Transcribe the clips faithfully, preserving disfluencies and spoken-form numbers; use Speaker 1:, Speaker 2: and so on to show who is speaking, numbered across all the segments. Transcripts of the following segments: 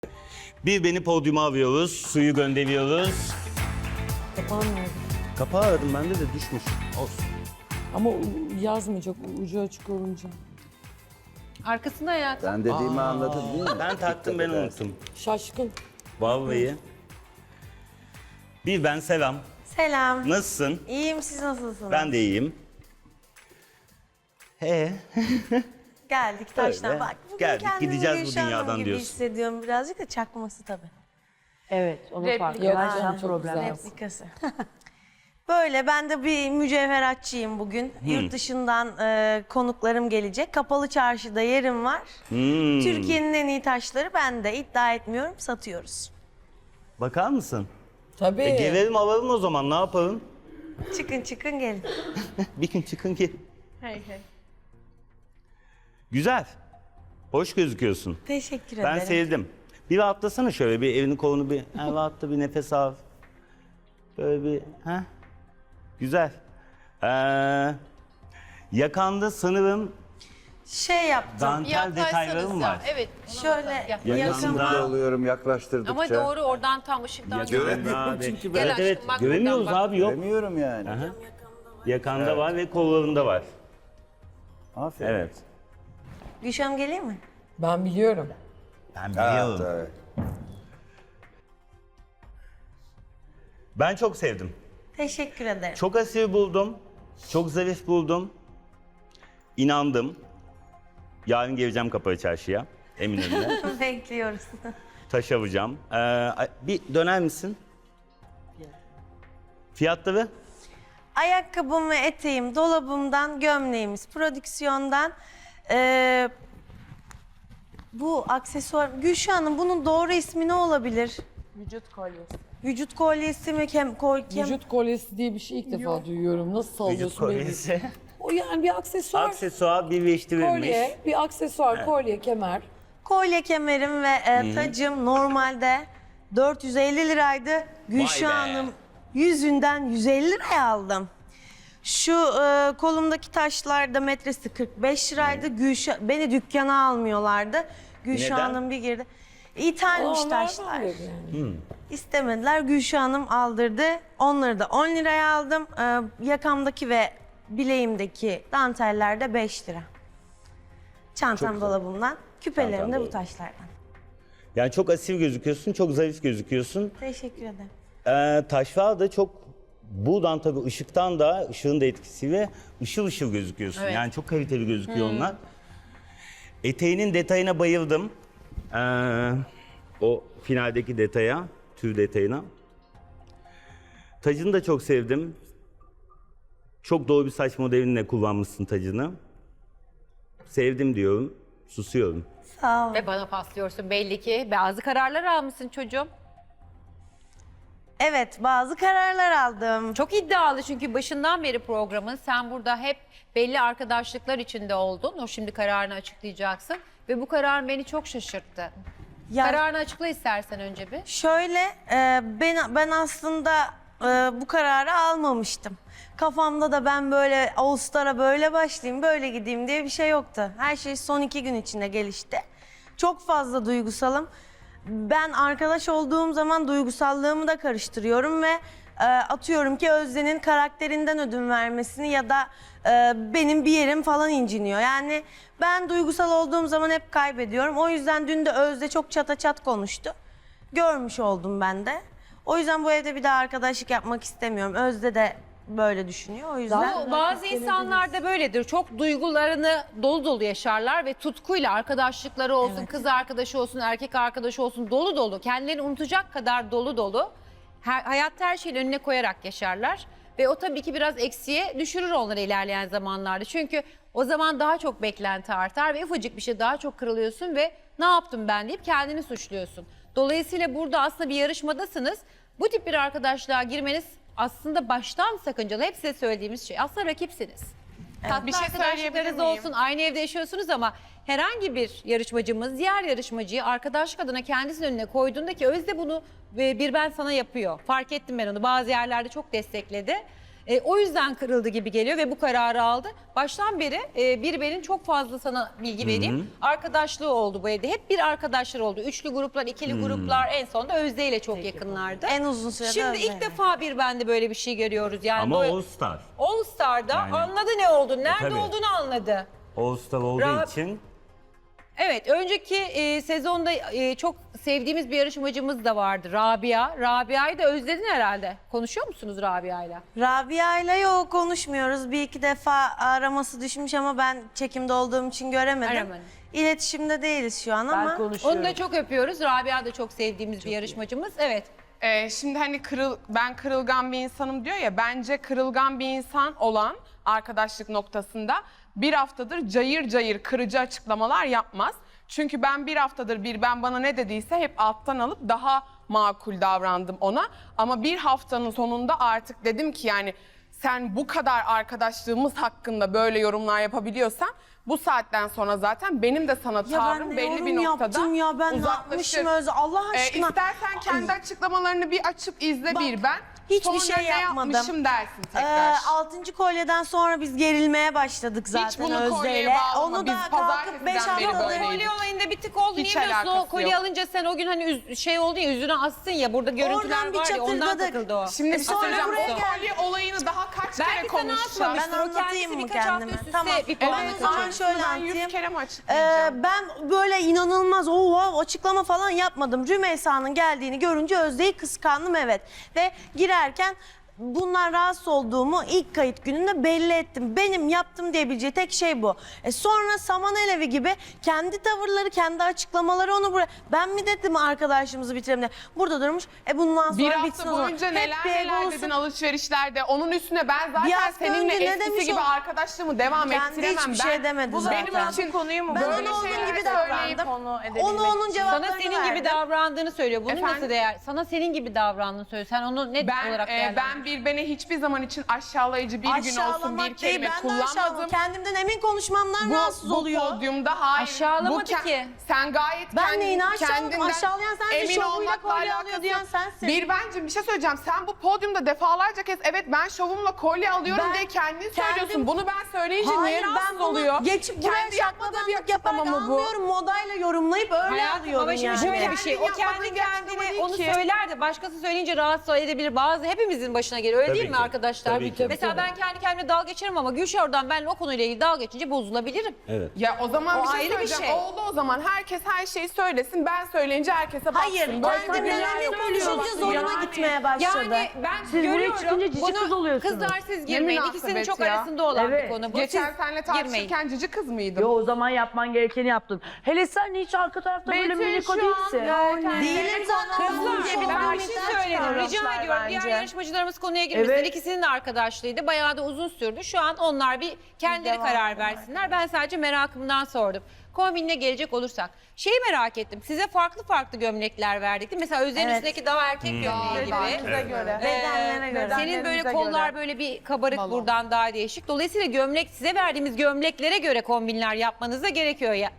Speaker 1: Bir beni podyuma alıyoruz, suyu gönderiyoruz.
Speaker 2: Kapağın nerede?
Speaker 1: Kapağı aradım bende de düşmüş. Olsun.
Speaker 2: Ama u- yazmayacak ucu açık olunca.
Speaker 3: Arkasında hayatım.
Speaker 4: Ben dediğimi anladın değil mi?
Speaker 1: Ben taktım, ben unuttum.
Speaker 2: Şaşkın.
Speaker 1: Vallahi. Bir ben selam.
Speaker 5: Selam.
Speaker 1: Nasılsın?
Speaker 5: İyiyim, siz nasılsınız?
Speaker 1: Ben de iyiyim. He.
Speaker 5: Geldik taştan.
Speaker 1: Öyle.
Speaker 5: Bak, bugün
Speaker 1: Geldik,
Speaker 5: kendimi
Speaker 1: gideceğiz bu
Speaker 5: Gülşah Hanım
Speaker 1: dünyadan
Speaker 5: gibi
Speaker 1: diyorsun.
Speaker 5: hissediyorum birazcık da çakması tabii.
Speaker 6: Evet, onun
Speaker 3: Replika.
Speaker 6: farkı
Speaker 2: Yok
Speaker 6: var.
Speaker 2: canım,
Speaker 6: Sen
Speaker 2: çok
Speaker 6: problem
Speaker 2: güzel.
Speaker 6: yok.
Speaker 5: Replikası. Böyle, ben de bir mücevheratçıyım bugün. Yurt dışından e, konuklarım gelecek. Kapalı çarşıda yerim var.
Speaker 1: Hmm.
Speaker 5: Türkiye'nin en iyi taşları bende. İddia etmiyorum, satıyoruz.
Speaker 1: Bakar mısın?
Speaker 2: Tabii.
Speaker 1: E, gelelim alalım o zaman, ne yapalım?
Speaker 5: Çıkın çıkın gelin.
Speaker 1: Bir gün çıkın ki.
Speaker 5: Hey hey.
Speaker 1: Güzel. Hoş gözüküyorsun.
Speaker 5: Teşekkür
Speaker 1: Ben
Speaker 5: ederim.
Speaker 1: sevdim. Bir rahatlasana şöyle, bir elini kolunu bir ha, rahatla, bir nefes al. Böyle bir ha. Güzel. Ee, yakanda sanırım
Speaker 5: Şey yaptım.
Speaker 1: dantel detaylarım var.
Speaker 3: Evet.
Speaker 5: Şöyle
Speaker 1: Yakında-
Speaker 5: yakama.
Speaker 4: Mutlu oluyorum yaklaştırdıkça.
Speaker 3: Ama doğru oradan tam ışıktan
Speaker 1: Yakında abi.
Speaker 2: çünkü
Speaker 1: Evet
Speaker 3: aşkım,
Speaker 1: evet,
Speaker 3: bak
Speaker 1: göremiyoruz
Speaker 3: buradan bak.
Speaker 1: abi, yok.
Speaker 4: Göremiyorum yani.
Speaker 1: Aha. Yakanda var ve kollarında var.
Speaker 4: Aferin.
Speaker 1: Evet.
Speaker 5: Gülşah'ım geleyim mi?
Speaker 2: Ben biliyorum.
Speaker 1: Ben
Speaker 4: Ha,
Speaker 1: biliyorum.
Speaker 4: tabii.
Speaker 1: Ben çok sevdim.
Speaker 5: Teşekkür ederim.
Speaker 1: Çok asil buldum. Çok zarif buldum. İnandım. Yarın geleceğim Kapalı Çarşı'ya. Eminönü'ne.
Speaker 5: Bekliyoruz.
Speaker 1: Taş alacağım. Ee, bir döner misin? Fiyatları?
Speaker 5: Ayakkabım ve eteğim dolabımdan, gömleğimiz prodüksiyondan. Ee, bu aksesuar, Gülşah Hanım bunun doğru ismi ne olabilir?
Speaker 2: Vücut kolyesi.
Speaker 5: Vücut kolyesi mi? Kem, kol, kem...
Speaker 2: Vücut kolyesi diye bir şey ilk defa duyuyorum. Nasıl
Speaker 1: Vücut
Speaker 2: sallıyorsun beni?
Speaker 1: kolyesi.
Speaker 2: O yani bir aksesuar.
Speaker 1: Aksesuar birleştirilmiş.
Speaker 2: Kolye, bir aksesuar, kolye, kemer.
Speaker 5: Kolye kemerim ve e, tacım normalde dört yüz elli liraydı. Gülşah
Speaker 1: be.
Speaker 5: Hanım yüzünden yüz elli liraya aldım. Şu e, kolumdaki taşlar da metresi kırk beş liraydı. Gülşah, beni dükkana almıyorlardı. Gülşah
Speaker 1: Neden?
Speaker 5: Hanım bir girdi. İthalmiş
Speaker 2: Aa,
Speaker 5: taşlar.
Speaker 2: nereden dedi yani?
Speaker 5: İstemediler. Gülşah Hanım aldırdı. Onları da on liraya aldım. Ee, yakamdaki ve bileğimdeki danteller de beş lira. Çantam dolabımdan. Küpelerim
Speaker 1: Çantam
Speaker 5: de bu
Speaker 1: dolabı.
Speaker 5: taşlardan.
Speaker 1: Yani çok asil gözüküyorsun, çok zarif gözüküyorsun.
Speaker 5: Teşekkür ederim.
Speaker 1: Ee, taşlar da çok, buradan tabii ışıktan da, ışığın da etkisiyle ışıl ışıl gözüküyorsun.
Speaker 3: Evet.
Speaker 1: Yani çok kaliteli gözüküyor onlar. Eteğinin detayına bayıldım. Ee, o finaldeki detaya, tüy detayına. Tacını da çok sevdim. Çok doğru bir saç modelinle kullanmışsın tacını. Sevdim diyorum, susuyorum.
Speaker 5: Sağ ol.
Speaker 3: Ve bana paslıyorsun belli ki. Bazı kararlar almışsın çocuğum.
Speaker 5: Evet, bazı kararlar aldım.
Speaker 3: Çok iddialı çünkü başından beri programın sen burada hep belli arkadaşlıklar içinde oldun. O şimdi kararını açıklayacaksın. Ve bu karar beni çok şaşırttı.
Speaker 5: Ya-
Speaker 3: Kararını açıkla istersen önce bir.
Speaker 5: Şöyle, e, ben ben aslında e, bu kararı almamıştım. Kafamda da ben böyle Ağustos'a böyle başlayayım, böyle gideyim diye bir şey yoktu. Her şey son iki gün içinde gelişti. Çok fazla duygusalım. Ben arkadaş olduğum zaman duygusallığımı da karıştırıyorum ve e, atıyorum ki Özde'nin karakterinden ödün vermesini ya da e, benim bir yerim falan inciniyor. Yani ben duygusal olduğum zaman hep kaybediyorum. O yüzden dün de Özde çok çata çat konuştu. Görmüş oldum ben de. O yüzden bu evde bir daha arkadaşlık yapmak istemiyorum. Özde de böyle düşünüyor. O yüzden
Speaker 3: Bu bazı insanlar da böyledir. Çok duygularını dolu dolu yaşarlar ve tutkuyla arkadaşlıkları olsun, kız arkadaşı olsun, erkek arkadaşı olsun dolu dolu. Kendilerini unutacak kadar dolu dolu. Her, hayatta her şeyin önüne koyarak yaşarlar. Ve o tabii ki biraz eksiye düşürür onları ilerleyen zamanlarda. Çünkü o zaman daha çok beklenti artar ve ufacık bir şey daha çok kırılıyorsun ve ne yaptım ben deyip kendini suçluyorsun. Dolayısıyla burada aslında bir yarışmadasınız. Bu tip bir arkadaşlığa girmeniz aslında baştan sakıncalı. Hep size söylediğimiz şey. Aslında rakipsiniz. Tatlı
Speaker 5: Bir şey
Speaker 3: arkadaşlıklarınız
Speaker 5: söyleyebilir miyim?
Speaker 3: olsun, aynı evde yaşıyorsunuz ama herhangi bir yarışmacımız diğer yarışmacıyı arkadaşlık adına kendisinin önüne koyduğunda ki Özde bunu bir ben sana yapıyor. Fark ettim ben onu. Bazı yerlerde çok destekledi. E, o yüzden kırıldı gibi geliyor ve bu kararı aldı. Baştan beri e, bir benim çok fazla sana bilgi vereyim. Arkadaşlığı oldu bu evde. Hep bir arkadaşlar oldu. Üçlü gruplar, ikili gruplar, en sonunda Özde ile çok yakınlardı.
Speaker 5: En uzun sürede
Speaker 3: Şimdi
Speaker 5: Özde
Speaker 3: ilk
Speaker 5: ile.
Speaker 3: defa bir bende böyle bir şey görüyoruz. Yani
Speaker 1: Ama
Speaker 3: bu-
Speaker 1: All Star.
Speaker 3: All Star'da
Speaker 1: Yani-
Speaker 3: anladı ne oldu, nerede
Speaker 1: tabii.
Speaker 3: olduğunu anladı.
Speaker 1: All Star olduğu
Speaker 3: Ra-
Speaker 1: için
Speaker 3: Evet, önceki e, sezonda e, çok sevdiğimiz bir yarışmacımız da vardı, Rabia. Rabia'yı da özledin herhalde. Konuşuyor musunuz Rabia'yla?
Speaker 5: Rabia ile yok konuşmuyoruz. Bir iki defa araması düşmüş ama ben çekimde olduğum için göremedim.
Speaker 3: Aramadın.
Speaker 5: İletişimde değiliz şu an ama.
Speaker 3: Onu da çok öpüyoruz. Rabia da çok sevdiğimiz bir yarışmacımız. Evet.
Speaker 6: Ee, şimdi hani kırıl, ben kırılgan bir insanım diyor ya, bence kırılgan bir insan olan arkadaşlık noktasında bir haftadır cayır cayır kırıcı açıklamalar yapmaz. Çünkü ben bir haftadır bir ben bana ne dediyse hep alttan alıp daha makul davrandım ona. Ama bir haftanın sonunda artık dedim ki yani sen bu kadar arkadaşlığımız hakkında böyle yorumlar yapabiliyorsan bu saatten sonra zaten benim de sana
Speaker 5: Ya ben
Speaker 6: tavrım
Speaker 5: ne
Speaker 6: belli bir
Speaker 5: yorum
Speaker 6: noktada
Speaker 5: yaptım ya, ben ne
Speaker 6: uzaklaşır.
Speaker 5: yapmışım Özde, Allah
Speaker 6: Ee,
Speaker 5: aşkına.
Speaker 6: istersen kendi açıklamalarını bir açıp izle
Speaker 5: Bak,
Speaker 6: bir ben.
Speaker 5: hiçbir
Speaker 6: Sonra
Speaker 5: şey
Speaker 6: ne
Speaker 5: yapmadım.
Speaker 6: yapmışım dersin
Speaker 5: Ee,
Speaker 6: tekrar.
Speaker 5: altıncı kolyeden sonra biz gerilmeye başladık zaten
Speaker 6: bunu kolyeye
Speaker 5: Özde'yle.
Speaker 6: bağlama,
Speaker 5: Onu
Speaker 6: biz
Speaker 5: da kalkıp beş
Speaker 6: pazartesiden beri
Speaker 5: haftadır...
Speaker 6: böyleyiz.
Speaker 3: Kolye olayında bir tık oldu.
Speaker 6: Hiç
Speaker 3: Niye biliyorsun? O
Speaker 6: alakası
Speaker 3: kolye
Speaker 6: yok.
Speaker 3: alınca sen o gün hani üz- şey oldu ya, yüzüne assın ya. Burada görüntüler
Speaker 5: Oradan bir
Speaker 3: var ya, ondan
Speaker 5: çatırdadık.
Speaker 3: takıldı o.
Speaker 6: Şimdi
Speaker 5: E
Speaker 6: bir şey
Speaker 5: sonra
Speaker 6: söyleyeceğim.
Speaker 5: buraya
Speaker 6: O
Speaker 5: gel.
Speaker 6: kolye olayını daha kaç kere
Speaker 3: Belki sana
Speaker 6: konuşacağız.
Speaker 3: asmamıştır.
Speaker 5: Ben
Speaker 3: O
Speaker 5: anlatayım
Speaker 3: kendisi
Speaker 5: mı
Speaker 3: birkaç hafta
Speaker 5: kendime?
Speaker 3: üst üste
Speaker 5: Tamam.
Speaker 3: bir
Speaker 5: Evet,
Speaker 3: puan
Speaker 5: o
Speaker 3: atacak.
Speaker 5: zaman şöyle
Speaker 6: Ben
Speaker 5: anlatayım.
Speaker 6: yüz kere mi
Speaker 5: Ee,
Speaker 6: açıklayacağım?
Speaker 5: ben böyle inanılmaz o wow, açıklama falan yapmadım. Rümeysa'nın geldiğini görünce Özde'yi kıskandım, evet. Ve girerken bundan rahatsız olduğumu ilk kayıt gününde belli ettim. Benim yaptım diyebileceği tek şey bu. E sonra saman alevi gibi kendi tavırları, kendi açıklamaları onu buraya... Ben mi dedim arkadaşımızı bitirelim diye. Burada durmuş. E bundan sonra
Speaker 6: Bir
Speaker 5: bitsin
Speaker 6: hafta
Speaker 5: o zaman.
Speaker 6: boyunca
Speaker 5: Hep
Speaker 6: neler
Speaker 5: bir
Speaker 6: neler
Speaker 5: egosu-
Speaker 6: dedin alışverişlerde. Onun üstüne ben
Speaker 5: Bir
Speaker 6: zaten
Speaker 5: hafta
Speaker 6: seninle
Speaker 5: önce ne
Speaker 6: eskisi
Speaker 5: demiş
Speaker 6: gibi
Speaker 5: o?
Speaker 6: arkadaşlığımı devam
Speaker 5: Kendi
Speaker 6: ettiremem.
Speaker 5: hiçbir
Speaker 6: ben,
Speaker 5: şey demedi
Speaker 6: bu
Speaker 5: zaten.
Speaker 6: benim için
Speaker 7: konuyu mu
Speaker 5: Ben
Speaker 6: böyle
Speaker 5: ona onun
Speaker 6: şeyler
Speaker 5: gibi
Speaker 6: söyleyip
Speaker 5: davrandım.
Speaker 7: konu edebilmek
Speaker 5: Onu onun
Speaker 7: için.
Speaker 5: cevaplarını
Speaker 3: Sana senin gibi
Speaker 5: verdim.
Speaker 3: davrandığını söylüyor. Bunun
Speaker 6: Efendim?
Speaker 3: nasıl değer? Sana senin gibi davrandığını söylüyor. Sen onu ne
Speaker 6: Ben
Speaker 3: olarak
Speaker 6: e,
Speaker 3: değerlendiriyorsun?
Speaker 6: ben bir beni hiçbir zaman için aşağılayıcı bir gün olsun
Speaker 5: Aşağılamak
Speaker 6: bir
Speaker 5: değil,
Speaker 6: kelime
Speaker 5: ben de aşağılama.
Speaker 6: kullanmadım.
Speaker 5: Kendimden emin konuşmamdan
Speaker 6: Bu,
Speaker 5: rahatsız
Speaker 6: bu
Speaker 5: oluyor.
Speaker 6: podyumda hayır.
Speaker 3: Aşağılamadı
Speaker 6: bu ke-
Speaker 3: ki.
Speaker 6: Sen gayet
Speaker 5: Ben
Speaker 6: kendin-
Speaker 5: neyini aşağıladım?
Speaker 6: kendinden
Speaker 5: Aşağılayan sensin,
Speaker 6: emin
Speaker 5: şovuyla
Speaker 6: olmakla
Speaker 5: kolye alıyor
Speaker 6: alakası
Speaker 5: diyen
Speaker 6: yok.
Speaker 5: sensin.
Speaker 6: Bir bence bir şey söyleyeceğim. Sen bu podyumda defalarca kez evet ben şovumla kolye alıyorum
Speaker 5: Ben
Speaker 6: diye kendin
Speaker 5: kendim-
Speaker 6: söylüyorsun. Bunu ben söyleyince
Speaker 5: Hayır,
Speaker 6: niye rahatsız
Speaker 5: ben bunu
Speaker 6: oluyor?
Speaker 5: geçip buraya
Speaker 6: Kendi yapmadığı bir
Speaker 5: şaklabanlık
Speaker 6: açıklama
Speaker 5: yaparak
Speaker 6: mı bu?
Speaker 5: anlıyorum. Modayla yorumlayıp öyle
Speaker 3: Hayatım
Speaker 5: alıyorum
Speaker 3: ama şimdi
Speaker 5: yani.
Speaker 3: şöyle bir şey. O
Speaker 6: Kendin
Speaker 3: kendi
Speaker 6: yapmadığın bir açıklama
Speaker 3: kendine
Speaker 6: değil
Speaker 3: onu
Speaker 6: ki.
Speaker 3: söyler de başkası söyleyince rahatsız edebilir. Bazı hepimizin başına geliyor. Öyle
Speaker 1: Tabii
Speaker 3: değil mi
Speaker 1: ki.
Speaker 3: arkadaşlar?
Speaker 1: Tabii ki.
Speaker 3: Mesela ben kendi kendime dalga geçerim ama Gülşah oradan benimle o konuyla ilgili dalga geçince bozulabilirim.
Speaker 1: evet.
Speaker 6: Ya o zaman
Speaker 3: O
Speaker 6: bir şey
Speaker 3: ayrı bir
Speaker 6: söyleyeceğim.
Speaker 3: şey.
Speaker 6: Oldu o zaman. Herkes her şeyi söylesin. Ben söyleyince herkese baksın.
Speaker 5: Hayır,
Speaker 6: Böyle bir
Speaker 5: kendimden
Speaker 6: dünya
Speaker 5: emin
Speaker 6: yok.
Speaker 5: konuşunca zoruma
Speaker 6: Yani-
Speaker 5: gitmeye başladı.
Speaker 3: Yani ben
Speaker 7: buraya
Speaker 3: görüyorum
Speaker 7: çıkınca cici
Speaker 3: bunu
Speaker 7: kız oluyorsunuz.
Speaker 3: kızlar siz girmeyin.
Speaker 6: Ne
Speaker 3: İkisinin
Speaker 6: münasebet
Speaker 3: çok
Speaker 6: ya.
Speaker 3: arasında olan
Speaker 7: Evet.
Speaker 3: bir konu bu.
Speaker 6: Geçen
Speaker 3: Siz
Speaker 6: seninle
Speaker 3: girmeyin.
Speaker 6: tartışırken cici kız mıydım?
Speaker 7: Yo, o zaman yapman gerekeni yaptın. Hele sen hiç arka tarafta böyle
Speaker 6: Betül
Speaker 7: minik o
Speaker 6: şu an
Speaker 7: değilsin.
Speaker 6: gerçekten-
Speaker 5: Değilim zaten.
Speaker 3: Kızlar
Speaker 5: Kızlar,
Speaker 3: ben bir şey söyledim. Rica
Speaker 7: davranışlar
Speaker 3: ediyorum. Diğer
Speaker 7: bence.
Speaker 3: yarışmacılarımız konuya girmesin.
Speaker 7: Evet.
Speaker 3: İkisinin de arkadaşlığıydı. Bayağı da uzun sürdü. Şu an onlar bir kendileri
Speaker 5: Devam
Speaker 3: karar
Speaker 5: edelim.
Speaker 3: versinler. Ben sadece merakımdan sordum. Kombinine gelecek olursak. Şeyi merak ettim. Size farklı farklı gömlekler verdik değil mi? Mesela Özden'in
Speaker 5: Evet.
Speaker 3: üstündeki daha erkek gömleği gibi.
Speaker 6: Bize göre.
Speaker 5: Bedenlere
Speaker 3: Ee,
Speaker 5: göre.
Speaker 3: Senin böyle
Speaker 6: Bedenlerimize
Speaker 3: kollar
Speaker 6: göre.
Speaker 3: böyle bir kabarık
Speaker 6: Balon.
Speaker 3: buradan daha değişik. Dolayısıyla gömlek size verdiğimiz gömleklere göre kombinler yapmanız da gerekiyor ya.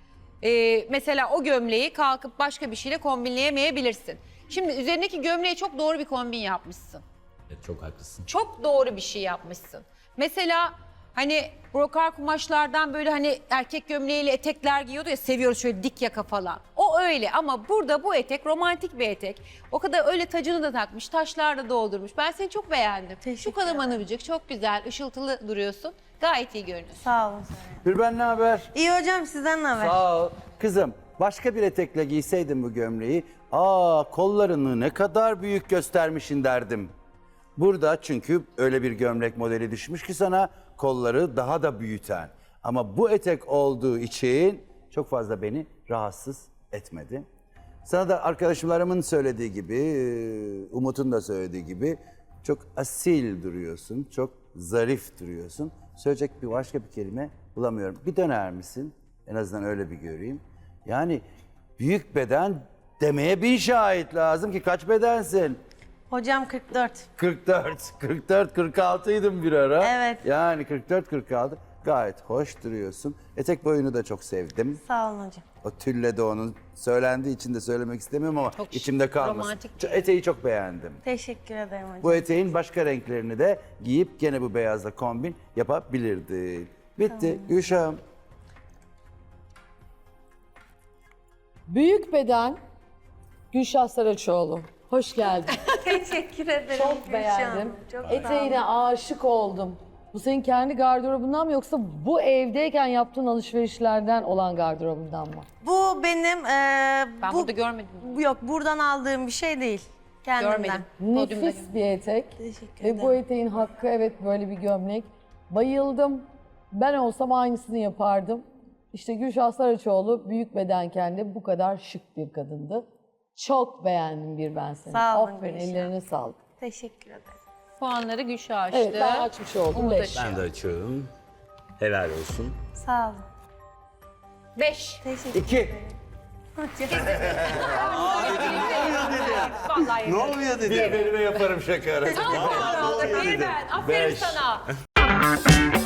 Speaker 3: Ee, mesela o gömleği kalkıp başka bir şeyle kombinleyemeyebilirsin. Şimdi üzerindeki gömleğe çok doğru bir kombin yapmışsın.
Speaker 1: Evet, çok haklısın.
Speaker 3: Çok doğru bir şey yapmışsın. Mesela hani brokar kumaşlardan böyle hani erkek gömleğiyle etekler giyiyordu ya, seviyoruz şöyle dik yaka falan. O öyle ama burada bu etek romantik bir etek. O kadar öyle tacını da takmış, taşlar da doldurmuş. Ben seni çok beğendim. Şu
Speaker 5: Teşekkür
Speaker 3: kadar
Speaker 5: ederim.
Speaker 3: manıvcık, çok güzel, ışıltılı duruyorsun. Gayet iyi görünüyorsun.
Speaker 5: Sağ olun.
Speaker 4: Gülben ne haber?
Speaker 5: İyi hocam, sizden ne haber?
Speaker 4: Sağ ol. Kızım başka bir etekle giyseydin bu gömleği, aa kollarını ne kadar büyük göstermişin derdim. Burada çünkü öyle bir gömlek modeli düşmüş ki sana kolları daha da büyüten. Ama bu etek olduğu için çok fazla beni rahatsız etmedi. Sana da arkadaşlarımın söylediği gibi, Umut'un da söylediği gibi çok asil duruyorsun, çok zarif duruyorsun. Söyleyecek bir başka bir kelime bulamıyorum. Bir döner misin? En azından öyle bir göreyim. Yani büyük beden demeye bin şahit lazım ki kaç bedensin?
Speaker 5: Hocam kırk dört.
Speaker 4: kırk dört, kırk dört, kırk altıydım bir ara.
Speaker 5: Evet.
Speaker 4: Yani kırk dört, kırk altı gayet hoş duruyorsun. Etek boyunu da çok sevdim.
Speaker 5: Sağ olun hocam.
Speaker 4: O tülle de onun söylendiği için de söylemek istemiyorum ama
Speaker 3: Çok
Speaker 4: içimde kalmasın.
Speaker 3: romantik
Speaker 4: Ç- Eteği çok beğendim.
Speaker 5: Teşekkür ederim hocam.
Speaker 4: Bu eteğin başka renklerini de giyip gene bu beyazla kombin yapabilirdin. Bitti. Gülşah'ım.
Speaker 2: Büyük beden Gülşah Saraçoğlu. Hoş geldin.
Speaker 5: Teşekkür ederim.
Speaker 2: Çok
Speaker 5: Gülşah
Speaker 2: beğendim.
Speaker 5: Hanım, çok sağ
Speaker 2: Eteğine
Speaker 5: olun.
Speaker 2: aşık oldum. Bu senin kendi gardırobundan mı yoksa bu evdeyken yaptığın alışverişlerden olan gardırobundan mı?
Speaker 5: Bu benim e,
Speaker 3: Ben
Speaker 5: bu,
Speaker 3: burada görmedim.
Speaker 5: bu yok buradan aldığım bir şey değil. Kendimden.
Speaker 3: Görmedim. Podyumda
Speaker 2: Nefis bir etek.
Speaker 5: Teşekkür
Speaker 2: Ve
Speaker 5: ederim.
Speaker 2: bu eteğin hakkı evet böyle bir gömlek. Bayıldım. Ben olsam aynısını yapardım. İşte Gülşah Saraçoğlu büyük bedenken de bu kadar şık bir kadındı. Çok beğendim bir ben seni.
Speaker 5: Sağ olun
Speaker 2: Aferin,
Speaker 5: Gülşah.
Speaker 2: ellerine sağlık.
Speaker 5: Teşekkür ederim.
Speaker 3: Puanları Gülşah açtı.
Speaker 2: Evet ben açmış oldum.
Speaker 3: Umut
Speaker 2: Beş.
Speaker 3: açıyor.
Speaker 1: Ben de açıyorum. Helal olsun.
Speaker 5: Sağ olun.
Speaker 3: Beş.
Speaker 5: Teşekkür
Speaker 4: İki.
Speaker 5: ederim.
Speaker 3: Vallahi
Speaker 1: Ne oluyor dedi?
Speaker 4: Bir benime yaparım şaka arası.
Speaker 3: Bir ben. Aferin sana.